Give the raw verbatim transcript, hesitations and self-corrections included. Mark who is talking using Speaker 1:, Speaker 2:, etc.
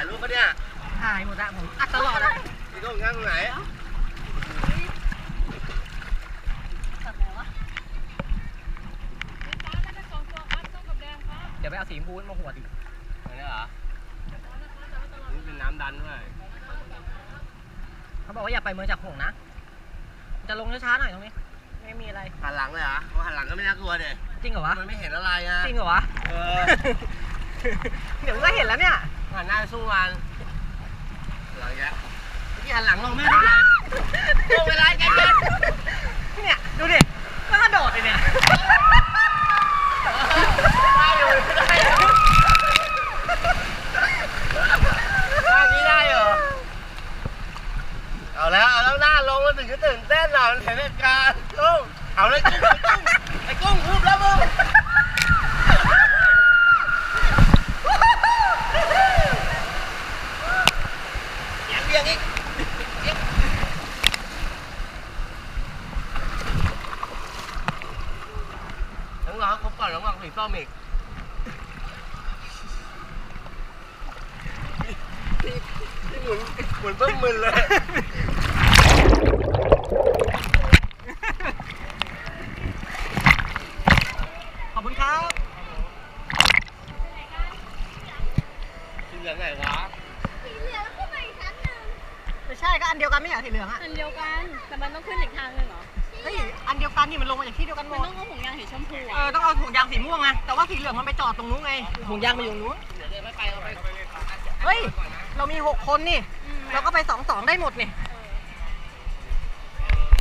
Speaker 1: ายรูปปะเนี่ย
Speaker 2: ถ่ายหมดอะผมอัดตลอดอะ
Speaker 1: พี่โก้งั้นตรงไหน
Speaker 2: เดี๋ยวไปเอาสีชมพูมาหัวดิ
Speaker 1: อันนี้เหรอนี่เป็นน้ำดันด้วย
Speaker 2: เขาบอกว่าอย่าไปเมืองจากหงนะจะลงช้าๆหน่อยตรงนี้ไม่มีอะไร
Speaker 1: หันหลังเลยเหรอเพราะหันหลังก็ไม่น่ากลัวเด็
Speaker 2: จริงเหรอวะ
Speaker 1: มันไม่เห็นอะไรนะ
Speaker 2: จริงเหรอวะ
Speaker 1: เออ
Speaker 2: เดี๋ยวก็เห็นแล้วเนี่ย
Speaker 1: หันหน้าสู้มันหลังแกที่หันหลังลงไม่ได้ลงเวลาใจเย็น
Speaker 2: เนี่ยดูดิก็กระโดดเลยเนี่ย
Speaker 1: ได้อยู่ได้อยู่ท่านี้ได้เหรอเอาแล้วเอาแล้วหน้าลงมันถึงจะตื่นเต้นหน่อยมันเห็นเหตุการณ์กุ้งเอาเลยกุ้งไอ้กุ้งพูดแล้วมึงเบี่ยงอีกต้องรอครบก่อนแล้ววางสีส้มอีกที่หมุนหมุนเพิ่มมึนเลย
Speaker 2: ขอบคุณครับ
Speaker 1: สีเหลืองไงวะ
Speaker 3: สีเหลืองขึ้นมาอีกชั้นหนึ่ง
Speaker 2: ไม่ใช่ก็อันเดียวกันไม่เหรอสีเหลืองอะ
Speaker 3: อันเดียวกันแต่มันต้องขึ้นอีกทางนึงเหรอ
Speaker 2: เฮ้ยอันเดียวกันนี่มันลงมาจากที่เดียวกันหม
Speaker 3: มัน
Speaker 2: ด
Speaker 3: ต้องเอาถุงยางสีชมพู
Speaker 2: เออต้องเอาถุงยางสีม่วงไงแต่ว่าสีเหลืองมันไปจอดตรงนู้นไงถุงยางไปอยู่นู้น
Speaker 1: เดี๋ยวเดินไม่ไปเราไป
Speaker 2: เฮ้ยเรามีหกคนนี่เราก็ไปสองสองได้หมดนี่